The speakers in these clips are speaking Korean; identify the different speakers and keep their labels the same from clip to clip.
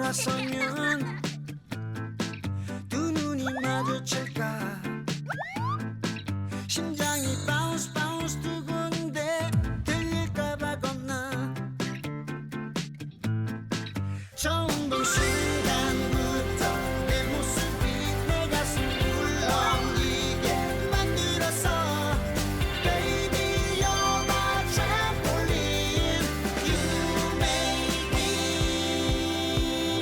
Speaker 1: 돌아서면 두 눈이 마주칠까 심장이 바운스 바운스 두근데 들릴까봐 겁나 처음 본 순간부터 내 모습이 내 가슴 울렁이게 만들었어 Baby you're my trampoline You make me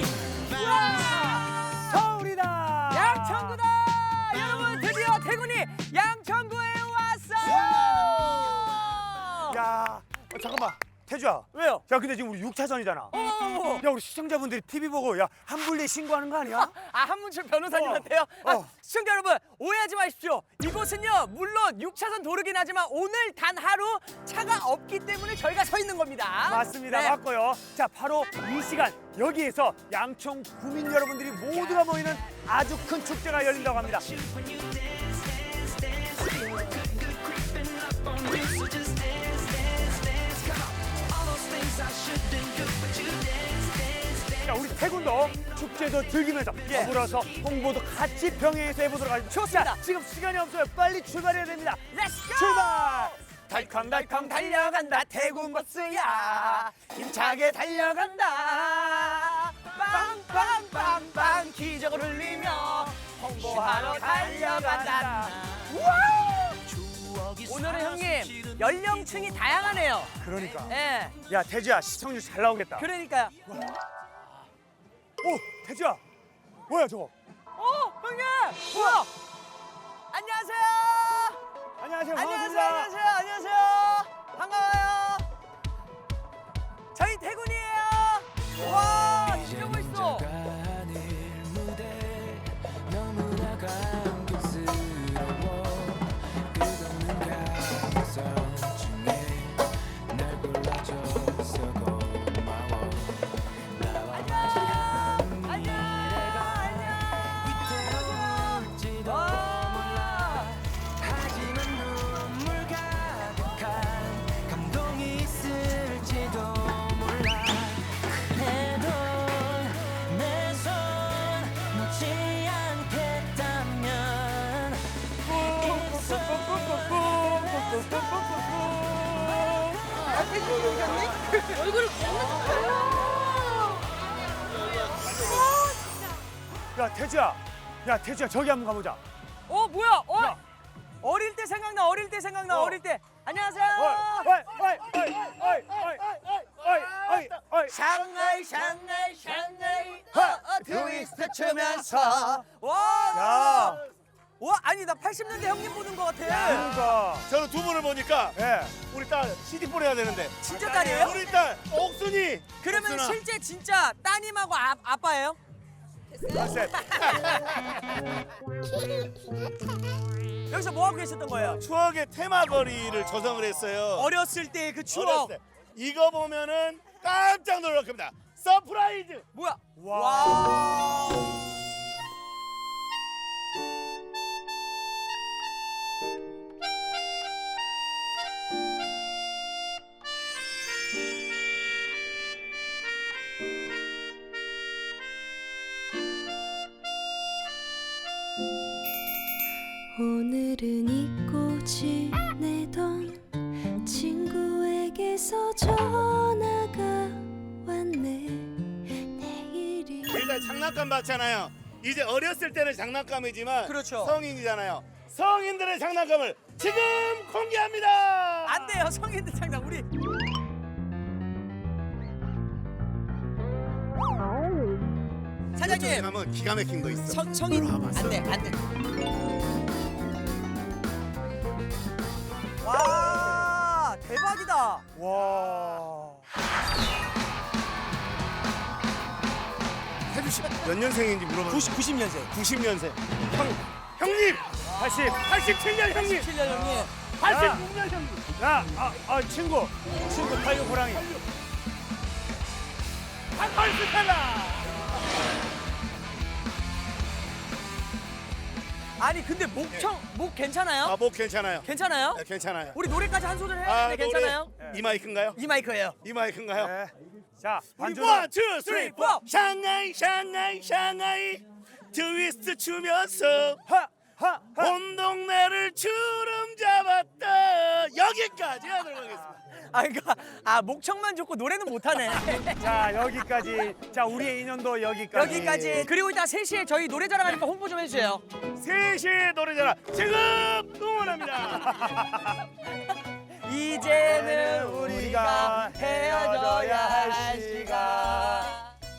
Speaker 2: 서울이다.
Speaker 3: 양천구다! 여러분 드디어 태군이 양천구에 왔어요!
Speaker 2: 야, 잠깐만. 태주야.
Speaker 3: 왜요?
Speaker 2: 야, 근데 지금 우리 6차선이잖아.
Speaker 3: 어.
Speaker 2: 야, 우리 시청자분들이 TV 보고 야, 한불리에 신고하는 거 아니야?
Speaker 3: 아, 한문철 변호사님한테요? 시청자 여러분 오해하지 마십시오. 이곳은요 물론 6차선 도로긴 하지만 오늘 단 하루 차가 없기 때문에 저희가 서 있는 겁니다.
Speaker 2: 맞습니다.
Speaker 3: 네.
Speaker 2: 맞고요. 자, 바로 이 시간 여기에서 양천 구민 여러분들이 모두가 모이는 아주 큰 축제가 열린다고 합니다. 자, 우리 태군도 축제도 즐기면서 더불어서 홍보도 같이 병행해서 해보도록 하겠습니다.
Speaker 3: 좋습니다.
Speaker 2: 자, 지금 시간이 없어요. 빨리 출발해야 됩니다.
Speaker 3: 렛츠고!
Speaker 2: 출발!
Speaker 3: 달컹달컹 달려간다 태군 버스야 힘차게 달려간다 빵빵빵빵 기적을 흘리며 홍보하러 달려간다. 오늘은 형님 연령층이 다양하네요.
Speaker 2: 그러니까.
Speaker 3: 예,
Speaker 2: 야, 태주야, 시청률 잘 나오겠다.
Speaker 3: 그러니까요.
Speaker 2: 오, 태주야. 뭐야, 저거?
Speaker 3: 형님 뭐야? 안녕하세요.
Speaker 2: 안녕하세요.
Speaker 3: 안녕하세요.
Speaker 2: 반갑습니다.
Speaker 3: 안녕하세요. 안녕하세요. 반가워요. 저희 태군이에요. 와, 진짜 멋있어.
Speaker 2: 야, 태주야. 야, 태주야, 저기 한번 가보자.
Speaker 3: 뭐야?
Speaker 2: 야.
Speaker 3: 어릴 때 생각나. 어릴 때 생각나. 어릴 때. 안녕하세요.
Speaker 2: 어이.
Speaker 3: 샹하이 샹하이 샹하이 트위스트 추면서
Speaker 2: 야.
Speaker 3: 와 아니 나 80년대 형님 보는 것 같아.
Speaker 2: 그러니까.
Speaker 4: 저는 두 분을 보니까
Speaker 2: 예.
Speaker 4: 우리 딸 CD 보내야 되는데
Speaker 3: 진짜 딸이에요?
Speaker 4: 우리 딸 옥순이
Speaker 3: 그러면
Speaker 4: 옥순아.
Speaker 3: 실제 진짜 따님하고 아빠예요?
Speaker 2: 컨셉.
Speaker 3: 여기서 뭐 하고 계셨던 거예요?
Speaker 4: 추억의 테마거리를 조성을 했어요.
Speaker 3: 어렸을 때 그 추억.
Speaker 4: 어렸을 때. 이거 보면은 깜짝 놀랄 겁니다. 서프라이즈.
Speaker 3: 뭐야?
Speaker 2: 와.
Speaker 5: 오늘은 잊고 지내던 친구에게서 전화가 왔네. 내일이
Speaker 4: 일단 장난감 봤잖아요. 이제 어렸을 때는 장난감이지만
Speaker 3: 그렇죠.
Speaker 4: 성인이잖아요. 성인들의 장난감을 지금 공개합니다.
Speaker 3: 안 돼요 성인들 장난 우리. 사장님
Speaker 4: 가면 기가 막힌 거 있어.
Speaker 3: 성인 안돼 안돼. 와 대박이다.
Speaker 2: 와.
Speaker 4: 태주 씨몇 년생인지 물어봐.
Speaker 3: 90년생.
Speaker 4: 90년생. 형님 87년 형님.
Speaker 3: 7년 형님.
Speaker 4: 86년 형님.
Speaker 2: 야, 친구 86 호랑이.
Speaker 4: 한걸스텔라.
Speaker 3: 아니 근데 목 괜찮아요?
Speaker 4: 목 괜찮아요.
Speaker 3: 괜찮아요?
Speaker 4: 네, 괜찮아요.
Speaker 3: 우리 노래까지 한 소절 해야 되는데
Speaker 4: 노래.
Speaker 3: 괜찮아요?
Speaker 4: 이 마이크인가요?
Speaker 3: 이 마이크예요.
Speaker 4: 이 마이크인가요?
Speaker 2: 네. 자,
Speaker 4: 우리
Speaker 2: 반주는
Speaker 4: 원, 투, 쓰리, 포.
Speaker 3: 포.
Speaker 4: 샹하이 샹하이 샹하이 트위스트 추면서
Speaker 2: 하.
Speaker 4: 온 동네를 주름 잡았다. 여기까지 하도록 하겠습니다.
Speaker 3: 아 그러니까 목청만 좋고 노래는 못하네.
Speaker 2: 자, 여기까지. 자, 우리의 인연도 여기까지.
Speaker 3: 여기까지. 그리고 이따 3시에 저희 노래 자랑하니까 홍보 좀 해주세요.
Speaker 4: 3시 노래자랑 지금 응원합니다.
Speaker 3: 이제는 우리가 헤어져야 할 시간.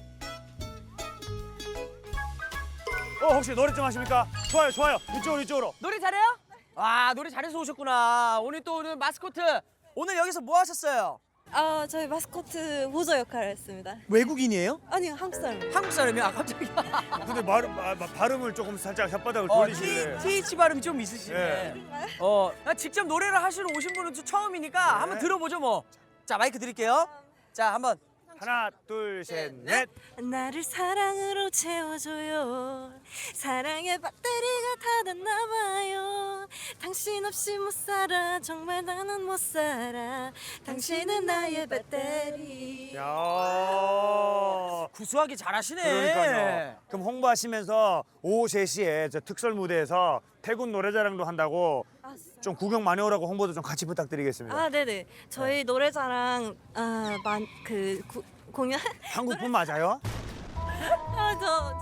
Speaker 2: 혹시 노래 좀 하십니까? 좋아요. 이쪽으로.
Speaker 3: 노래 잘해요? 와 노래 잘해서 오셨구나. 오늘 또 오늘 마스코트. 오늘 여기서 뭐 하셨어요?
Speaker 5: 저희 마스코트 보조 역할을 했습니다.
Speaker 3: 외국인이에요?
Speaker 5: 아니요, 한국 사람.
Speaker 3: 한국 사람이요? 갑자기.
Speaker 2: 근데 발음을 조금 살짝 혓바닥을
Speaker 3: 어,
Speaker 2: 돌리시네.
Speaker 3: TH 발음이 좀 있으시네.
Speaker 2: 예.
Speaker 3: 직접 노래를 하시러 오신 분은 또 처음이니까 한번 들어보죠 뭐. 자 마이크 드릴게요. 자 한번.
Speaker 2: 하나, 둘, 셋, 넷.
Speaker 5: 나를 사랑으로 채워줘요. 사랑의 배터리가 닫았나 봐요. 당신 없이 못 살아. 정말 나는 못 살아. 당신은 나의 배터리.
Speaker 2: 야.
Speaker 3: 구수하게 잘하시네.
Speaker 2: 그러니까요. 그럼 홍보하시면서 오후 3시에 저 특설 무대에서 태군 노래자랑도 한다고 좀 구경 많이 오라고 홍보도 좀 같이 부탁드리겠습니다.
Speaker 5: 네네. 저희 노래자랑 공연.
Speaker 2: 한국분 맞아요?
Speaker 5: 저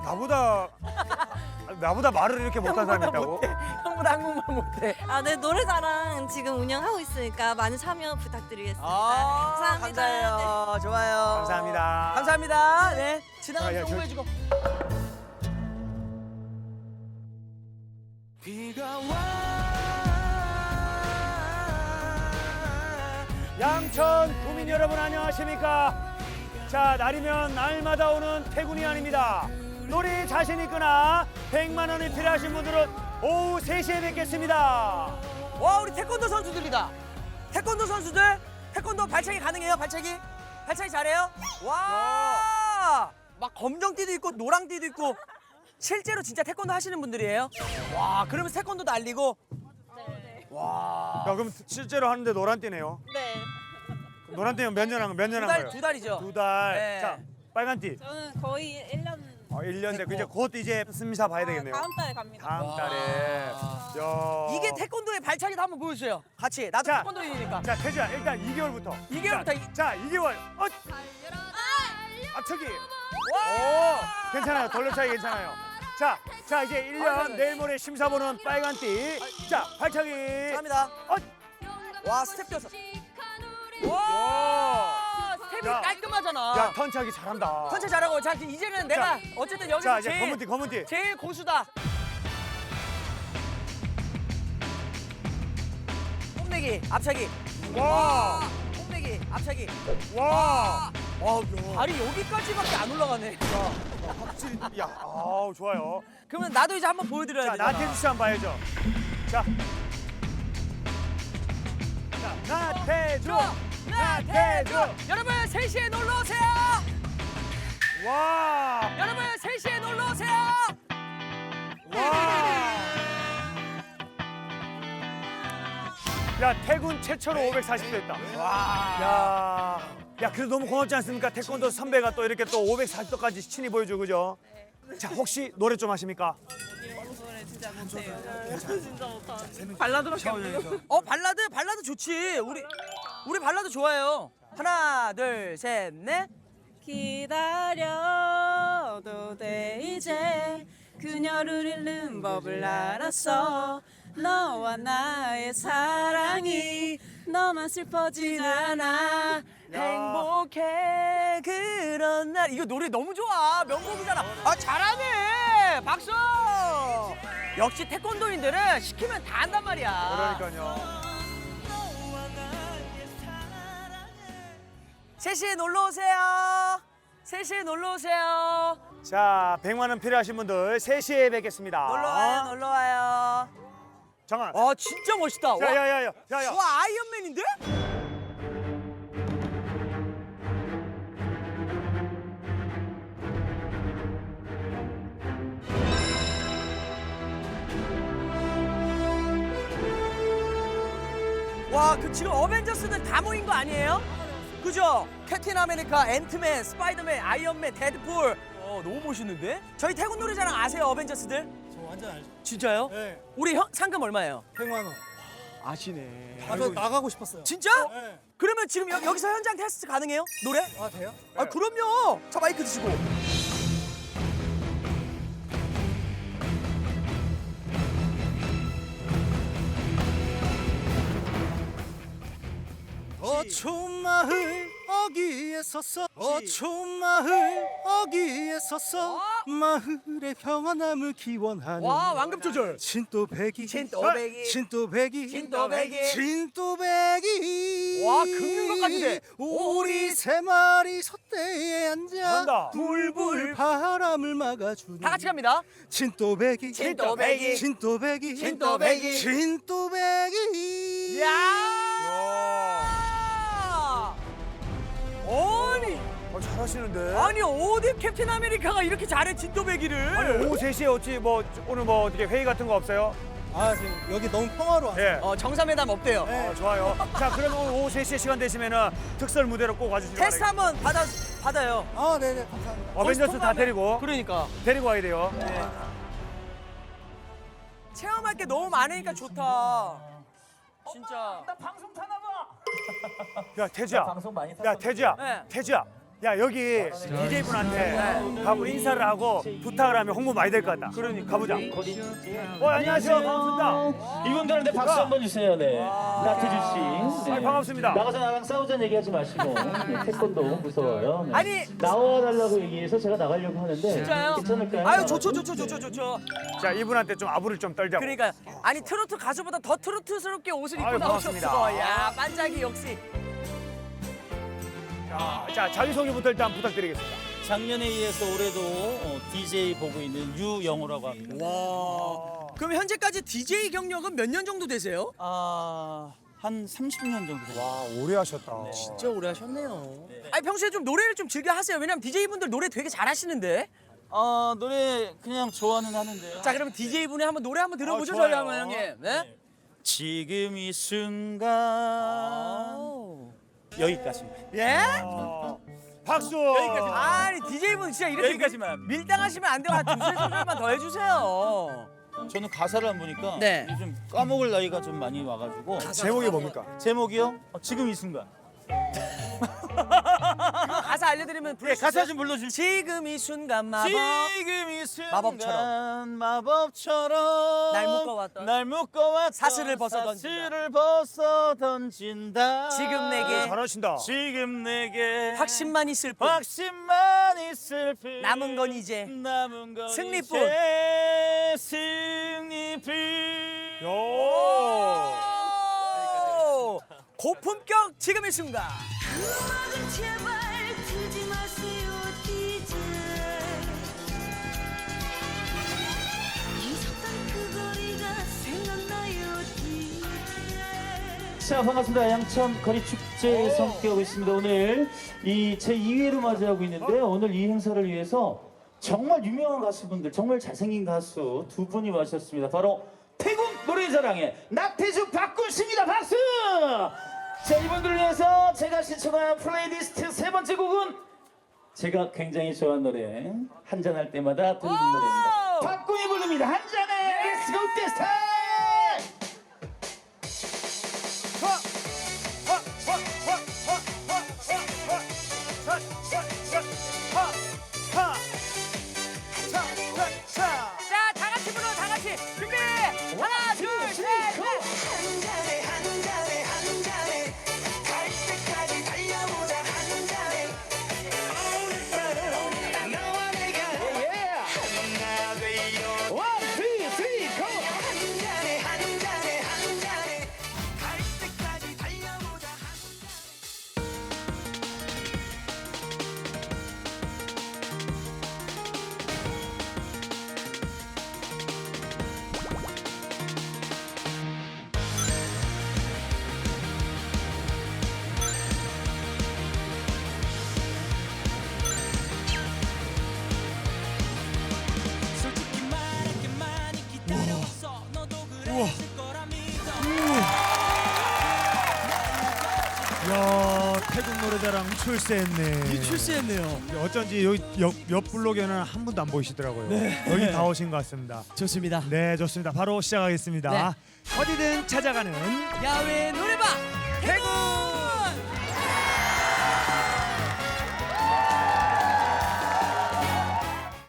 Speaker 2: 나보다 말을 이렇게 못한 사람이 있다고?
Speaker 3: 형보다 한국말 못해.
Speaker 5: 네, 노래자랑 지금 운영하고 있으니까 많이 참여 부탁드리겠습니다. 감사합니다.
Speaker 3: 감사해요. 좋아요.
Speaker 2: 감사합니다.
Speaker 3: 감사합니다. 네. 지나가면서
Speaker 2: 야, 저-
Speaker 3: 홍보해주고.
Speaker 1: 비가 와
Speaker 2: 양천 구민 여러분 안녕하십니까? 자, 날이면 날마다 오는 태군이 아닙니다. 놀이 자신 있거나 100만 원이 필요하신 분들은 오후 3시에 뵙겠습니다.
Speaker 3: 와 우리 태권도 선수들이다. 태권도 선수들. 태권도 발차기 가능해요? 발차기 잘해요? 와. 막 검정띠도 있고 노랑띠도 있고. 실제로 진짜 태권도 하시는 분들이에요? 와 그러면 태권도도 알리고.
Speaker 2: 야, 그럼 실제로 하는데 노란띠네요.
Speaker 5: 네.
Speaker 2: 노란띠면 몇 년 한 거예요?
Speaker 3: 두 달이죠.
Speaker 2: 2달.
Speaker 3: 네.
Speaker 2: 자, 빨간띠.
Speaker 5: 저는 거의 1년
Speaker 2: 1년 됐고 이제 곧 이제 스미사 봐야 되겠네요.
Speaker 5: 달에 갑니다.
Speaker 2: 다음 달에. 야.
Speaker 3: 이게 태권도의 발차기도 한번 보여주세요. 같이. 나도
Speaker 2: 자.
Speaker 3: 태권도인이니까.
Speaker 2: 자, 태주야 일단 2개월부터.
Speaker 3: 2개월부터
Speaker 2: 자, 2개월. 앞차기.
Speaker 3: 와.
Speaker 2: 오, 괜찮아요. 돌려차기 괜찮아요. 자 이제 1년 내일 모레 심사 보는 빨간띠. 자, 발차기.
Speaker 3: 갑니다. 와 스텝 뛰었어. 와 스텝이
Speaker 2: 야.
Speaker 3: 깔끔하잖아.
Speaker 2: 야, 턴차기 잘한다.
Speaker 3: 선체 잘하고 자 이제는 내가 어쨌든 여기서
Speaker 2: 자, 이제
Speaker 3: 제일
Speaker 2: 검은 띠.
Speaker 3: 제일 고수다. 뽐내기 앞차기.
Speaker 2: 와.
Speaker 3: 뽐내기 앞차기.
Speaker 2: 와.
Speaker 3: 발이 여기까지밖에 안 올라가네.
Speaker 2: 확실히 야, 아우 좋아요.
Speaker 3: 그러면 나도 이제 한번 보여드려야
Speaker 2: 자,
Speaker 3: 되잖아.
Speaker 2: 나태주 씨 한번 봐야죠. 자, 나태주.
Speaker 3: 여러분 3시에 놀러 오세요.
Speaker 2: 와.
Speaker 3: 여러분 3시에 놀러 오세요.
Speaker 2: 와. 야, 태군 최초로 540도 했다. 와. 야, 그래도 너무 고맙지 않습니까? 태권도 선배가 또 이렇게 또 540도까지 친히 보여주고 그죠? 자, 혹시 노래 좀 하십니까?
Speaker 3: 발라드 좋지. 우리 발라드 좋아해요. 하나 둘 셋 넷.
Speaker 5: 기다려도 돼 이제 그녀를 잃는 법을 알았어. 너와 나의 사랑이 너만 슬퍼진 않아.
Speaker 3: 행복해 그런 날. 이거 노래 너무 좋아. 명곡이잖아. 잘하네. 박수. 역시 태권도인들은 시키면 다 한단 말이야.
Speaker 2: 그러니까요.
Speaker 3: 3시에 놀러 오세요. 3시에 놀러 오세요.
Speaker 2: 자, 100만 원 필요하신 분들 3시에 뵙겠습니다.
Speaker 3: 놀러 와요. 놀러 와요.
Speaker 2: 잠깐.
Speaker 3: 진짜 멋있다.
Speaker 2: 자, 야야야. 야야.
Speaker 3: 와 아이언맨인데? 와, 그 지금 어벤져스들 다 모인 거 아니에요? 그죠? 캡틴 아메리카, 앤트맨, 스파이더맨, 아이언맨, 데드풀. 너무 멋있는데? 저희 태국 노래자랑 아세요, 어벤져스들?
Speaker 6: 저 완전 알죠.
Speaker 3: 진짜요?
Speaker 6: 네.
Speaker 3: 우리 상금 얼마예요?
Speaker 6: 100만 원.
Speaker 3: 아시네.
Speaker 6: 나가고 싶었어요.
Speaker 3: 진짜?
Speaker 6: 네.
Speaker 3: 그러면 지금 여기서 현장 테스트 가능해요? 노래?
Speaker 6: 아 돼요?
Speaker 3: 아 그럼요. 자 마이크 드시고.
Speaker 6: 어촌 마을 어귀에 섰어. 어촌 마을 어귀에 섰어. 마을의 평안함을 기원하는
Speaker 3: 와 완급 조절.
Speaker 6: 진또배기
Speaker 3: 진또배기.
Speaker 6: 진또배기
Speaker 3: 진또배기.
Speaker 6: 진또배기
Speaker 3: 와, 긁는 것까지 돼.
Speaker 6: 우리 세 마리 솥대에 앉아
Speaker 2: 잘한다.
Speaker 6: 불불 바람을 막아주는
Speaker 3: 다 같이 갑니다.
Speaker 6: 진또배기
Speaker 3: 진또배기.
Speaker 6: 진또배기
Speaker 3: 진또배기.
Speaker 6: 진또배기
Speaker 3: 야. 아니
Speaker 2: 잘하시는데.
Speaker 3: 아니 어디 캡틴 아메리카가 이렇게 잘해 진또배기를.
Speaker 2: 아니 오후 3시에 어찌 뭐 오늘 뭐 어떻게 회의 같은 거 없어요?
Speaker 6: 아 지금 여기 너무 평화로워.
Speaker 2: 예.
Speaker 3: 정상회담 없대요.
Speaker 6: 네.
Speaker 2: 좋아요. 자 그러면 오늘 오후 3시에 시간 되시면은 특설 무대로 꼭 와주시기
Speaker 3: 테스트
Speaker 2: 바랍니다.
Speaker 3: 한번 받아요.
Speaker 6: 아 네네 감사합니다.
Speaker 2: 어벤져스 다 데리고
Speaker 3: 그러니까
Speaker 2: 데리고 와야 돼요.
Speaker 3: 체험할 게 너무 많으니까 좋다. 진짜.
Speaker 2: 야 태주야. 야 태주야.
Speaker 3: 네.
Speaker 2: 태주야. 야 여기 DJ 분한테 가고 인사를 하고 부탁을 하면 홍보 많이 될 것 같다. 그러니까 가보자. 안녕하세요. 반갑습니다.
Speaker 7: 이분들한테 박수 한번 주세요. 네. 나태주 씨. 네.
Speaker 2: 반갑습니다.
Speaker 7: 나가서 나랑 싸우자는 얘기하지 마시고 네, 태권도 무서워요. 네.
Speaker 3: 아니
Speaker 7: 나와달라고 얘기해서 제가 나가려고 하는데
Speaker 3: 진짜요?
Speaker 7: 괜찮을까요?
Speaker 3: 아유 좋죠.
Speaker 2: 자 이분한테 좀 아부를 좀 떨자고.
Speaker 3: 그러니까 아니 트로트 가수보다 더 트로트스럽게 옷을 입고
Speaker 2: 아유,
Speaker 3: 나오셨어.
Speaker 2: 반갑습니다.
Speaker 3: 야 반짝이 역시.
Speaker 2: 자 자기소개부터 일단 부탁드리겠습니다.
Speaker 8: 작년에 이어서 올해도 DJ 보고 있는 유영호라고 합니다.
Speaker 3: 와. 그럼 현재까지 DJ 경력은 몇 년 정도 되세요?
Speaker 8: 한 30년 정도 됩니다.
Speaker 2: 오래 하셨다.
Speaker 3: 진짜 오래 하셨네요. 아니 평소에 좀 노래를 좀 즐겨 하세요. 왜냐면 DJ 분들 노래 되게 잘하시는데.
Speaker 8: 노래 그냥 좋아는 하는데요.
Speaker 3: 자 그러면 DJ 분의 한번 노래 한번 들어보죠
Speaker 2: 좋아요.
Speaker 3: 저희 한번 형님. 네?
Speaker 8: 지금 이 순간 여기까지입니다.
Speaker 3: 예?
Speaker 2: 박수.
Speaker 3: 여기까지. 아니 DJ 분 진짜 이렇게
Speaker 8: 여기까지만.
Speaker 3: 밀당하시면 안 돼요. 한 두세 소절만 더 해주세요.
Speaker 8: 저는 가사를 안 보니까
Speaker 3: 네.
Speaker 8: 요즘 까먹을 나이가 좀 많이 와가지고
Speaker 2: 제목이 뭡니까?
Speaker 8: 제목이요? 지금 이 순간.
Speaker 3: 가사 알려드리면 부를 수
Speaker 8: 가사
Speaker 3: 있어요?
Speaker 8: 좀 불러주세요.
Speaker 3: 지금 이 순간 마법.
Speaker 8: 지금 이 순간
Speaker 3: 마법처럼.
Speaker 8: 마법처럼
Speaker 3: 날 묶어왔던
Speaker 8: 사슬을 벗어 던진다.
Speaker 3: 지금 내게
Speaker 2: 잘하신다.
Speaker 8: 지금 내게
Speaker 3: 확신만 있을 뿐.
Speaker 8: 확신만 있을 뿐
Speaker 3: 남은 건 이제
Speaker 8: 남은 건
Speaker 3: 승리뿐.
Speaker 8: 이제 승리뿐.
Speaker 2: 요.
Speaker 3: 오! 고품격 지금 이 순간.
Speaker 5: 음악은 제발 틀지 마세요 DJ 잊었던 그 거리가 생각나요 DJ
Speaker 7: 자 반갑습니다. 양천 거리축제에서 함께하고 있습니다. 오늘 이 제 2회로 맞이하고 있는데요. 오늘 이 행사를 위해서 정말 유명한 가수분들, 정말 잘생긴 가수 두 분이 와주셨습니다. 바로 태국 노래자랑의 나태주 박군 씨입니다. 박수! 자 이분들을 위해서 제가 신청한 플레이리스트 세 번째 곡은 제가 굉장히 좋아하는 노래 한잔할 때마다 듣는 노래입니다. 박군이 부릅니다. 한잔해! Let's go this time!
Speaker 3: 자, 다 같이 불러, 다 같이. 준비! 하나, 둘, 셋, 넷!
Speaker 1: 한 잔에 한 잔에 한 잔에 갈 때까지 달려보자 한 잔에 오늘 너와 내가 하나 되어 한 잔에 한 잔에 한 잔에 갈 때까지 달려보자
Speaker 3: 솔직히 말할게 많이 기다려왔어. 너도 그랬을 거라 믿어.
Speaker 2: 야. 태국 노래자랑 출세했네.
Speaker 3: 출세했네요.
Speaker 2: 어쩐지 여기 옆 블록에는 한 분도 안 보이시더라고요. 여기 다 오신 것 같습니다.
Speaker 3: 좋습니다.
Speaker 2: 네, 좋습니다. 바로 시작하겠습니다. 어디든 찾아가는
Speaker 3: 야외 노래방 태국.